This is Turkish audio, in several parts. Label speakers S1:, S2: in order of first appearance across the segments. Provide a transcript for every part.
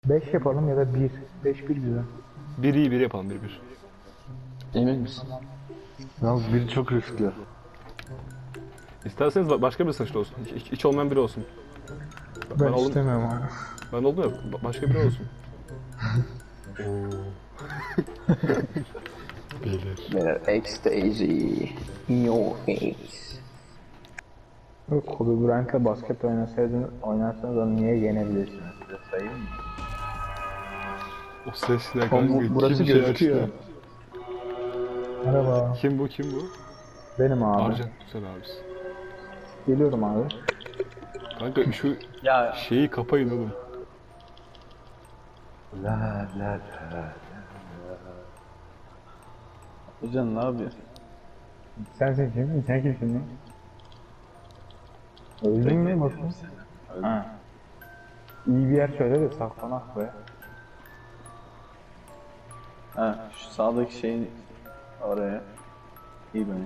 S1: 5 yapalım ya da 1. 5 1 güzel.
S2: Bir iyi bir yapalım bir bir.
S3: Emin misin?
S4: Yalnız biri çok riskli.
S2: İsterseniz başka bir saçlı olsun. Hiç olmayan biri olsun.
S1: Ben
S2: oldum.
S1: istemiyorum abi.
S2: Ben oldum ya. Başka biri olsun. Beyler.
S3: Beyler ecstasy in your face.
S1: Kobe Bryant'la basket oynarsanız onu niye yenebilirsiniz? Size sayayım mı?
S2: O ses ne
S3: Oğlum,
S2: kanka?
S3: burası
S2: Kim
S3: gözüküyor.
S2: açtı?
S1: Merhaba.
S2: Kim bu kim bu?
S1: Benim abi.
S2: Arcan. Güzel abisi.
S1: Geliyorum abi.
S2: Kanka şu
S3: Ya
S2: şeyi kapayın oğlum.
S4: La la la.
S3: Hocam ne yapıyorsun?
S1: Sensin kim? Sen kimsin lan? Öldün mü bakayım? Ha. İyi bir yer söyle de saklanak be.
S5: Ha, şu sağdaki şeyin oraya. İyi bence.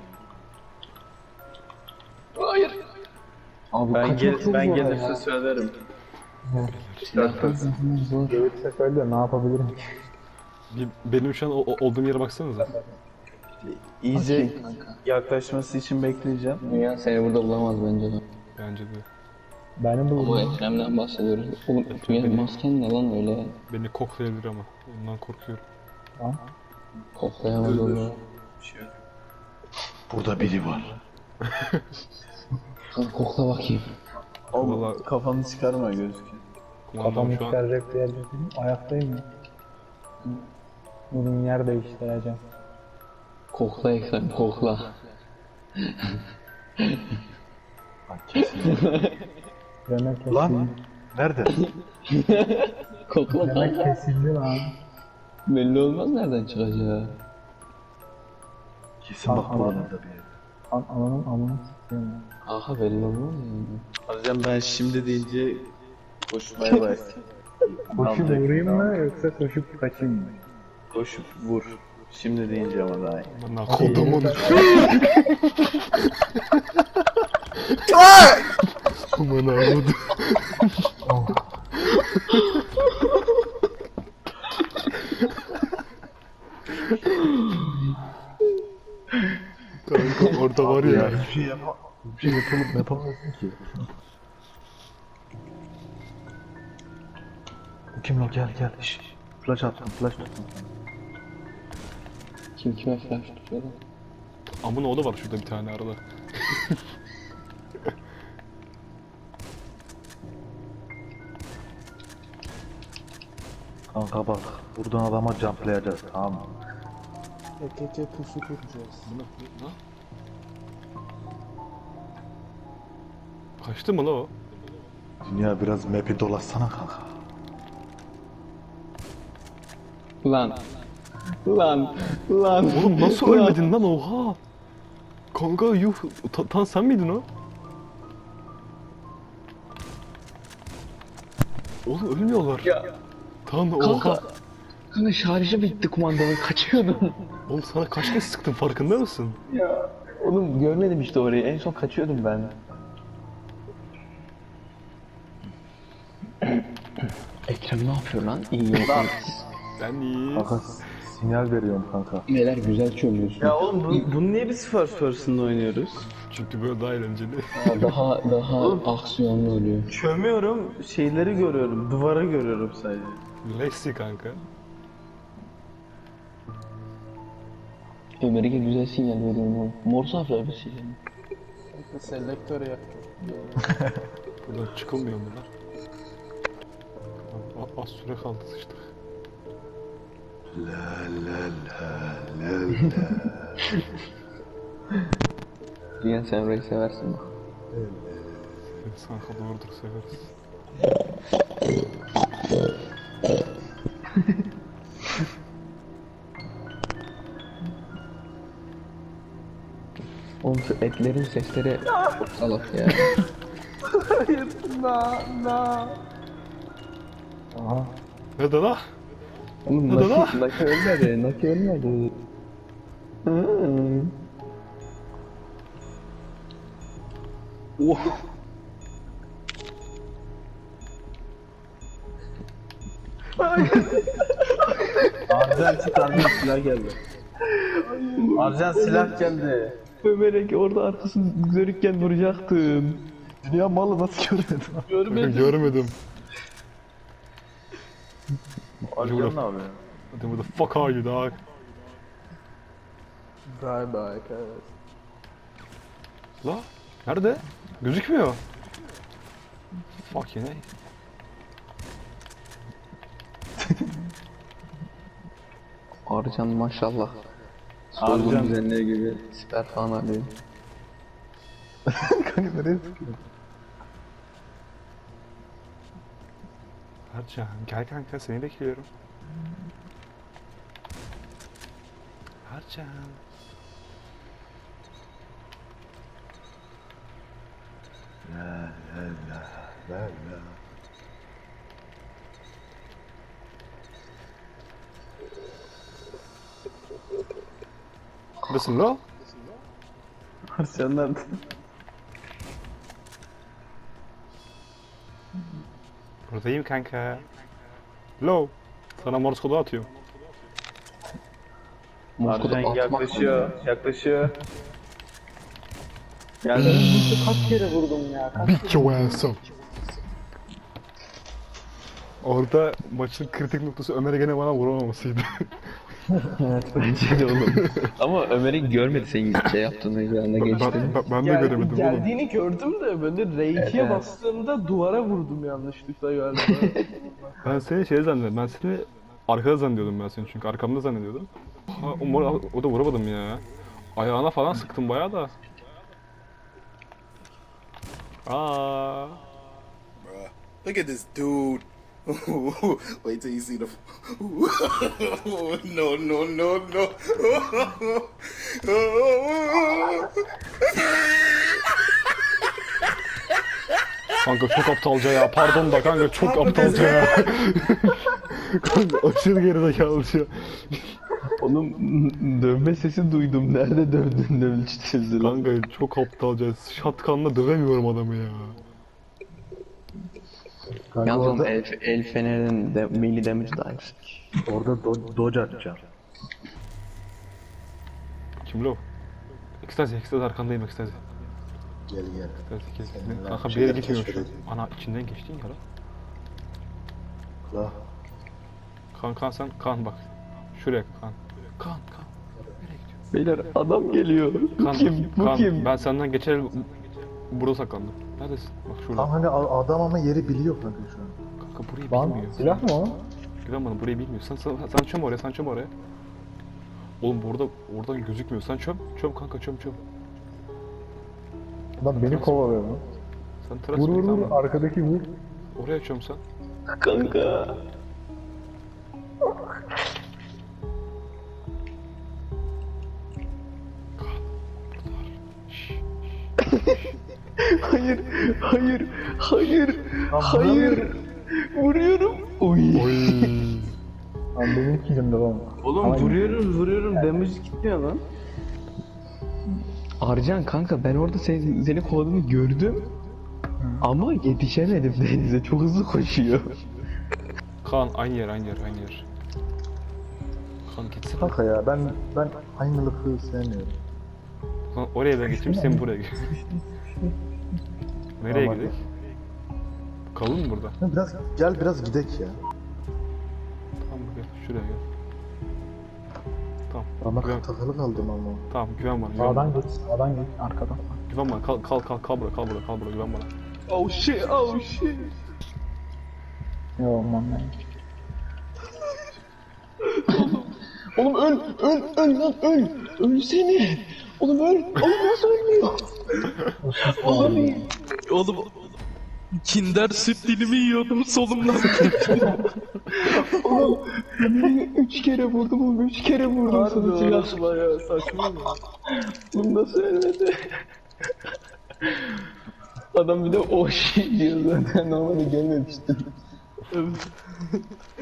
S3: abi
S5: Ben
S3: kaçmak çok
S5: ben
S3: zor
S5: gelirse
S3: ya.
S5: söylerim.
S3: Zor.
S1: Gelirse söyle ne yapabilirim ki?
S2: Benim şu an olduğum yere baksanıza.
S5: İyice yaklaşması için bekleyeceğim.
S3: Dünya seni burada bulamaz bence de.
S2: Bence de.
S1: Benim
S3: Ama
S1: bu
S3: Ekrem'den bahsediyoruz. Oğlum Dünya masken ne lan öyle?
S2: Beni koklayabilir ama. Ondan korkuyorum.
S3: Koklayamaz onu.
S4: Burada biri var.
S3: Kokla bakayım.
S5: Oğlum
S2: Vallahi-
S5: kafanı çıkarma gözüküyor.
S2: Kumandam
S1: kafamı
S2: şu an
S1: çıkaracak bir yer değilim. Ayaktayım ya. Bugün yer değiştireceğim.
S3: Kokla Ekrem kokla.
S4: Lan kesin.
S1: Demek kesildi.
S4: Lan nerede?
S3: Kokla
S1: Demek
S3: kanka.
S1: kesildi lan.
S3: Belli olmaz nereden çıkacağı.
S4: Kesin bak buralarda bir yerde.
S1: Ananın amını s**eyim.
S3: Aha belli olmaz yani.
S5: Hocam ben şimdi deyince koşmaya başlayayım.
S1: Koşup
S5: Alacak.
S1: vurayım mı yoksa koşup kaçayım mı?
S5: Koşup vur. Şimdi deyince ama daha iyi.
S2: bana kodumun. Aman ağladı. Kanka orada var ya.
S4: Hiçbir şey bir şey yapamazsın ki. Kim o gel gel. Şş. Flash attım flash tuttum.
S3: Kim kime flash tutuyor lan?
S2: Amın oğlu var şurada bir tane arada.
S4: Kanka bak buradan adama jumplayacağız tamam mı?
S2: Kaçtı mı la o?
S4: Dünya biraz map'i dolaşsana kanka.
S3: Lan. Lan. Lan.
S2: Oğlum nasıl ölmedin lan oha? Kanka yuh tan sen miydin o? Oğlum ölmüyorlar.
S3: Ya.
S2: Tan oha.
S3: Kanka. Kanka şarjı bitti kumandanın kaçıyordum.
S2: Oğlum sana kaç kez sıktım farkında mısın?
S3: Ya. Oğlum görmedim işte orayı. En son kaçıyordum ben. Ekrem ne yapıyor lan? İyi yok.
S2: Ben iyi.
S4: Kanka sinyal veriyorum kanka.
S3: Neler güzel çömüyorsun.
S5: Ya oğlum bunu niye biz first person'da oynuyoruz?
S2: Çünkü böyle daha eğlenceli.
S3: Daha aksiyonlu oluyor.
S5: Çömüyorum, şeyleri görüyorum, duvarı görüyorum sadece.
S2: Lexi kanka.
S3: Ömer'e güzel sinyal veriyorum oğlum. Morse harfler bir sinyal.
S5: Selektör ya.
S2: Buradan çıkılmıyor mu lan? Az süre kaldı sıçtık.
S4: La la la la la.
S3: Diyen sen orayı seversin bak.
S2: Kanka doğrudur severiz.
S3: Oğlum şu etlerin sesleri çok salak ya.
S1: Aha.
S2: Nerede la?
S3: Oğlum
S2: Hadi lan.
S3: Naki ölmedi. Naki ölmedi.
S5: Arjan çık, Arjan silah geldi. Arjan silah geldi.
S3: Ömer'e orada arkasını görürken vuracaktın.
S4: Dünya malı nasıl görmedin?
S2: Görmedim.
S5: Arjan ne yapıyor?
S2: Where the fuck are you dog?
S1: Bye bye kardeş.
S2: La? Nerede? Gözükmüyor. Fuck yine.
S3: Arcan maşallah. Soygun
S5: Arjan.
S3: düzenleri gibi siper falan alıyor.
S4: Kanka nereye sıkıyorsun?
S2: Ercan gel kanka seni bekliyorum. Ercan. Neredesin la?
S5: Arjan nerede?
S2: Buradayım kanka. Low. Sana morse kodu atıyorum.
S3: Moskoda
S5: Arjan
S3: atmak
S5: yaklaşıyor. Yaklaşıyor. Geldi.
S1: Kaç kere vurdum ya?
S2: Beat your ass up. Orada maçın kritik noktası Ömer'e gene bana vuramamasıydı.
S3: bence de oğlum. Ama Ömer'i görmedi senin şey yaptığını yanına geçti.
S2: Ben de göremedim oğlum.
S1: Geldiğini gördüm de ben de R2'ye
S3: Evet.
S1: bastığımda duvara vurdum yanlışlıkla galiba.
S2: Ben seni şey zannediyordum. Ben seni arkada zannediyordum ben seni çünkü arkamda zannediyordum. Ha, o da vuramadım ya. Ayağına falan sıktım bayağı da. Aa.
S6: Look at this dude. Wait till you see the. No, no, no, no.
S2: Kanka çok aptalca ya. Pardon da kanka çok aptalca ya. Kanka aşırı gerizekalıca.
S3: Onun dövme sesi duydum. Nerede dövdün dövülçüsü lan.
S2: Kanka çok aptalca. Shotgun'la dövemiyorum adamı ya.
S4: Kanka
S3: Yalnız onun
S4: orada,
S3: el fenerinin de melee damage daha yüksek.
S4: orada dodge atacağım.
S2: Kim lo? Ekstazi arkandayım ekstazi.
S6: Gel gel.
S2: Ekstazi
S6: Seninle
S2: kanka bir
S6: şeyler
S2: yere gitmiyor şu an.
S6: keşfedelim.
S2: Ana içinden geçtin ya lan.
S6: La.
S2: Kan sen kan bak. Şuraya kan. Kan. Nereye gidiyor?
S3: Beyler adam geliyor. Bu
S2: Kan,
S3: kim? Bu
S2: kan.
S3: kim?
S2: Ben senden geçer burada saklandım. Neredesin? Bak şurada.
S4: Tam hani adam ama yeri biliyor kanka şu an.
S2: Kanka burayı
S1: Lan
S2: bilmiyor.
S1: silah mı o?
S2: Güven bana burayı bilmiyor. Sen çöm oraya, sen çöm oraya. Oğlum oradan gözükmüyor. Sen çöm kanka çöm.
S1: Lan beni kovalıyor lan.
S2: Sen tıraş
S1: Vur
S2: bir
S1: vur vur
S2: tamam.
S1: arkadaki vur.
S2: Oraya çöm sen.
S3: Kanka. Hayır. Vuruyorum. Oy.
S2: Oy.
S1: Lan benim kilimde lan.
S5: Oğlum
S1: Ama-
S5: vuruyorum damage gitmiyor lan.
S3: Arcan kanka ben orada seni kovaladığını gördüm. Ama yetişemedim denize. Çok hızlı koşuyor.
S2: Kaan aynı yer. Kaan gitsin.
S4: Kanka ya ben aynılıkı sevmiyorum.
S2: Kaan oraya ben geçeyim sen buraya geç. Nereye
S4: Tamam,
S2: gidelim? Kalın mı burada?
S4: Biraz gidek ya.
S2: Tamam gel şuraya gel. Tamam.
S4: Ama
S2: Güven,
S4: takılı kaldım ama.
S2: tamam güven bana. Güven bana.
S1: Sağdan git arkadan.
S2: Güven bana. Kal burada güven bana.
S3: Oh shit.
S1: Yo aman lan.
S3: Oğlum öl lan öl. Ölsene. Oğlum öl. Oğlum nasıl ölmüyor?
S7: Oğlum Kinder süt dilimi yiyordum solumdan.
S3: Oğlum Ömer'i 3 kere vurdum oğlum 3 kere vurdum sana silah.
S5: Bayağı saçma mı?
S3: Oğlum nasıl ölmedi? Adam bir de o şey diyor zaten normalde gelmemiştim.